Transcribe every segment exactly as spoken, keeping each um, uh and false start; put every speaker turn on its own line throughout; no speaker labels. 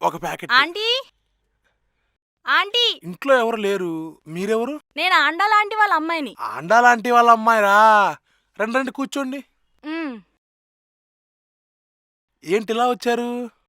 ఒక packet.
Aunty aunty
ఇంట్లో ఎవరు లేరు, మీరెవరు?
నేను ఆండా లాంటి వాళ్ళ అమ్మాయిని.
ఆండా లాంటి వాళ్ళ అమ్మాయిరా? రండి రండి కూర్చోండి.
ఉమ్.
ఏంటి ఇలా వచ్చారు?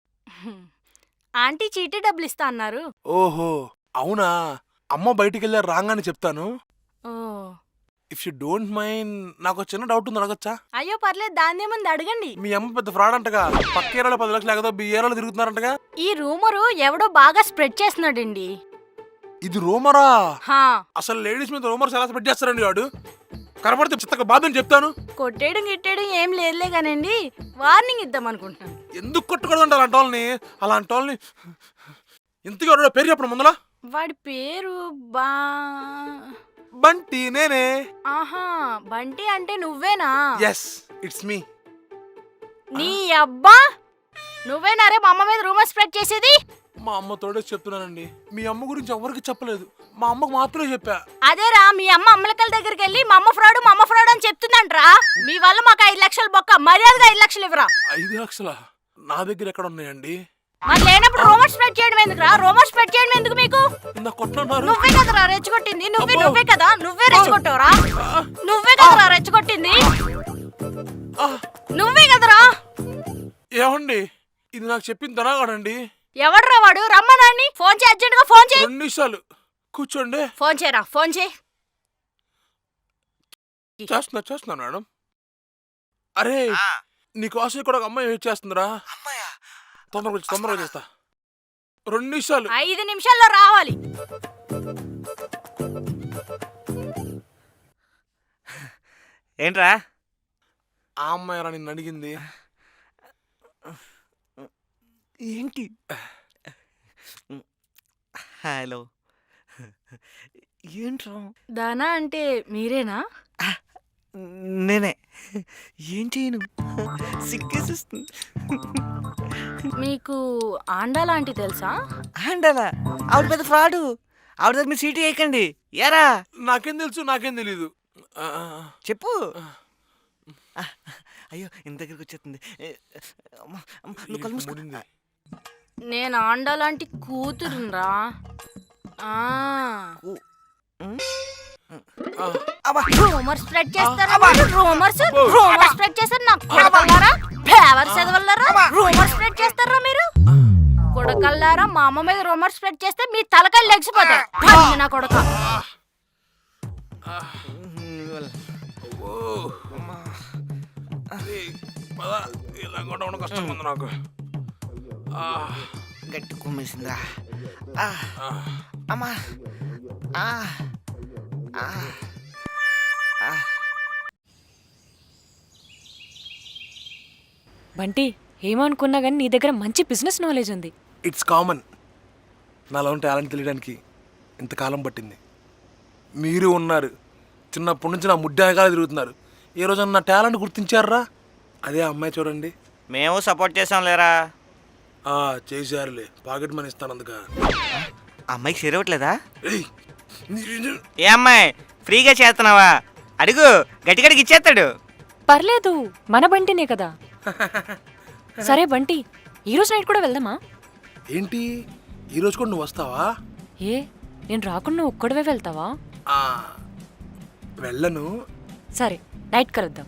ఆంటీ చీటీ డబ్బులు ఇస్తా అన్నారు.
ఓహో అవునా, అమ్మ బయటికి వెళ్ళారు, రాగానే చెప్తాను.
Oh
if you don't mind, నాకు ఒక చిన్న డౌట్ ఉంది, అడగచ్చా?
అయ్యో పర్లేదు, దాన్నే ముందు అడగండి.
మీ అమ్మ పెద్ద ఫ్రాడ్ అంటగా, పక్క ఏరాలో పది లక్షలు ఎగదో బి ఏరాలో తిరుగుతున్నారంటగా.
ఈ రూమరు ఎవడో బాగా స్ప్రెడ్ చేస్తున్నాడండి.
ఇది రూమరా?
హా
అసలు లేడీస్ మీద రూమర్స్ ఎలా స్ప్రెడ్ చేస్తారండి వాడు? కనపడితే చిత్తగా బాధని చెప్తాను.
కొట్టేయడం గిట్టేయడం ఏం లేదులే కానండి, వార్నింగ్ ఇద్దాం అనుకుంటున్నాను.
ఎందుకు కొట్టకూడదు అలాంటి వాళ్ళని? అలాంటి వాళ్ళని ఇంతకీ వాడు పేరు చెప్పడం ముందల.
వాడి పేరు బా
బంటి, నేనే.
ఆహా బంటి అంటే నువ్వేనా?
Yes it's me.
నీ అబ్బా నువ్వేనా రే మా అమ్మ మీద రూమర్ స్ప్రెడ్ చేసేది?
మా అమ్మ తోడే చెప్తున్నానండి, మీ అమ్మ గురించి ఎవరికి చెప్పలేదు, మా అమ్మకు మాత్రమే చెప్పా.
అదేరా మీ అమ్మ అమ్మలకల దగ్గరికి వెళ్ళి మా అమ్మ ఫ్రాడ్ మా అమ్మ ఫ్రాడ్ అని చెప్తుందంట్రా. మీ వల్ల మాకు ఐదు లక్షలు బొక్క, మర్యాదగా ఐదు లక్షలు ఇవ్వరా.
ఐదు లక్షల నా దగ్గర ఎక్కడ ఉన్నాయండి?
మరి లేనప్పుడు రూమర్ స్ప్రెడ్ చేయడం ఎందుకురా? రూమర్ స్ప్రెడ్ చేయడం ఎందుకు మీకు?
కొట్టున్నారు.
నువ్వే కదరా రెచ్చగొట్టింది, నువ్వే నువ్వే కదా, నువ్వే రెచ్చగొట్టావురా. నువ్వే కదరా రెచ్చగొట్టింది, నువ్వే కదరా.
ఏమండి ఇది నాకు చెప్పింది తనాగాడండి.
ఎవడ్రా వాడు? రమ్మనాన్ని ఫోన్ చేయి, అర్జెంట్ గా ఫోన్ చేయి.
రెండు నిమిషాలు కూర్చోండి.
ఫోన్ చేయరా, ఫోన్ చేయి.
చేస్తున్నా చేస్తున్నా మేడం. అరే నీకోసం కూడా ఒక అమ్మాయి వెయిట్ చేస్తుందిరా. తొందరగా వచ్చి తొందరగా చేస్తా. రెండు నిమిషాలు.
ఐదు నిమిషాల్లో రావాలి.
ఏంట్రా?
ఆ అమ్మాయి రా నిన్ను అడిగింది.
ఏంటి? హలో ఏంట్రా?
దానా అంటే మీరేనా?
నేనే. ఏం చేయను, సిగ్గేసిస్తుంది.
మీకు ఆండా లాంటి తెలుసా?
ఆండాలా? ఆవిడ పెద్ద ఫ్రాడు. ఆవిడ దగ్గర మీరు సీటు వేయకండి. యారా?
నాకేం తెలుసు, నాకేం తెలీదు.
చెప్పు. అయ్యో ఇంత దగ్గరికి వచ్చేస్తుంది. నువ్వు కళ్ళు మూసుకో.
నేను ఆండా లాంటి కూతురురా. రూమర్ స్ప్రెడ్ చేస్తారా? రూమర్స్ రూమర్ స్ప్రెడ్ చేస్తారు నా కొడకల్లారా, ఫేవర్ చదవల్లారా, రూమర్ స్ప్రెడ్ చేస్తారా మీరు కొడకల్లారా? మా అమ్మ మీద రూమర్ స్ప్రెడ్ చేస్తే మీ తలకాయలు లెగిసిపోతాయి నా కొడక.
నాకు
గట్టి కుమ్మేసిందా? అమ్మా
బంటి, ఏమనుకున్నా కానీ నీ దగ్గర మంచి బిజినెస్ నాలెడ్జ్ ఉంది.
It's common. నాలో టాలెంట్ తెలియడానికి ఇంతకాలం పట్టింది. మీరు ఉన్నారు, చిన్నప్పటి నుంచి నా ముడ్డాగా తిరుగుతున్నారు. ఏ రోజు నా టాలెంట్ గుర్తించారా? అదే అమ్మాయి చూడండి.
మేము సపోర్ట్ చేసాం లేరా?
చేశారులే, పాకెట్ మనీ ఇస్తాను అందుక.
అమ్మాయికి చేరవట్లేదా? ఏ అమ్మాయి ఫ్రీగా చేస్తున్నావా? అడుగు, గట్టిగడికి ఇచ్చేస్తాడు.
పర్లేదు, మన బంటినే కదా. సరే బంటి, ఈరోజు నైట్ కూడా వెళ్దామా?
ఏంటి ఈరోజు కూడా నువ్వు వస్తావా?
ఏ నేను రాకుండా ఒక్కడవే వెళ్తావా?
వెళ్ళను.
సరే నైట్ కలుద్దాం.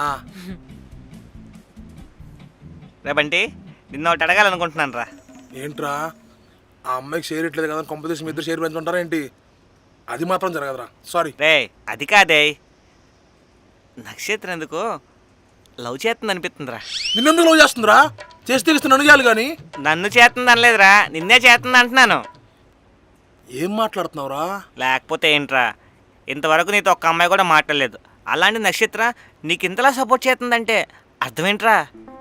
రే బంటి, నిన్న ఒకటి అడగాలనుకుంటున్నాను రా.
ఏంట్రా? ఆ అమ్మాయికి షేర్ ఇట్లేదు కదా, కాంపిటీషన్ ఇద్దరు షేర్ పెంచుకుంటారా ఏంటి? అది మాత్రం జరగదురా, సారీ.
రే అది కాదే, నక్షత్రం ఎందుకో లవ్ చేస్తుంది అనిపిస్తుందిరా.
నిన్నెందుకు లవ్ చేస్తుందిరా? చేస్తే నన్ను చేయాలి కానీ.
నన్ను చేస్తుంది అనలేదురా, నిన్నే చేస్తుంది అంటున్నాను.
ఏం మాట్లాడుతున్నావురా?
లేకపోతే ఏంట్రా, ఇంతవరకు నీతో ఒక్క అమ్మాయి కూడా మాట్లాడలేదు. అలాంటి నక్షత్ర నీకు ఇంతలా సపోర్ట్ చేస్తుందంటే అర్థమేంట్రా?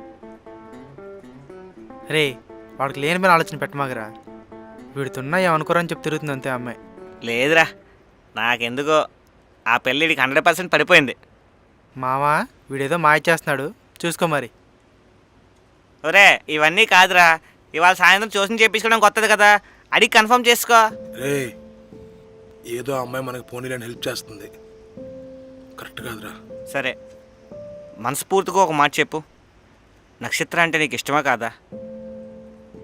రే వాడికి లేని మీద ఆలోచన పెట్టమాగరా. వీడితున్నా ఏమనుకోరని చెప్పి తిరుగుతుంది అంతే అమ్మాయి.
లేదురా, నాకెందుకో ఆ పెళ్ళిడికి హండ్రెడ్ పర్సెంట్ పడిపోయింది.
మావా వీడేదో మాయ చేస్తున్నాడు, చూసుకో మరి.
ఒరే ఇవన్నీ కాదురా, ఇవాళ సాయంత్రం చూసి చేయించుకోవడం కొత్తది కదా, అడిగి కన్ఫర్మ్ చేసుకో.
రే ఏదో అమ్మాయి మనకి పోనీలని హెల్ప్ చేస్తుంది, కరెక్ట్ కాదురా.
సరే మనస్ఫూర్తిగా ఒక మాట చెప్పు, నక్షత్ర అంటే నీకు ఇష్టమా కాదా?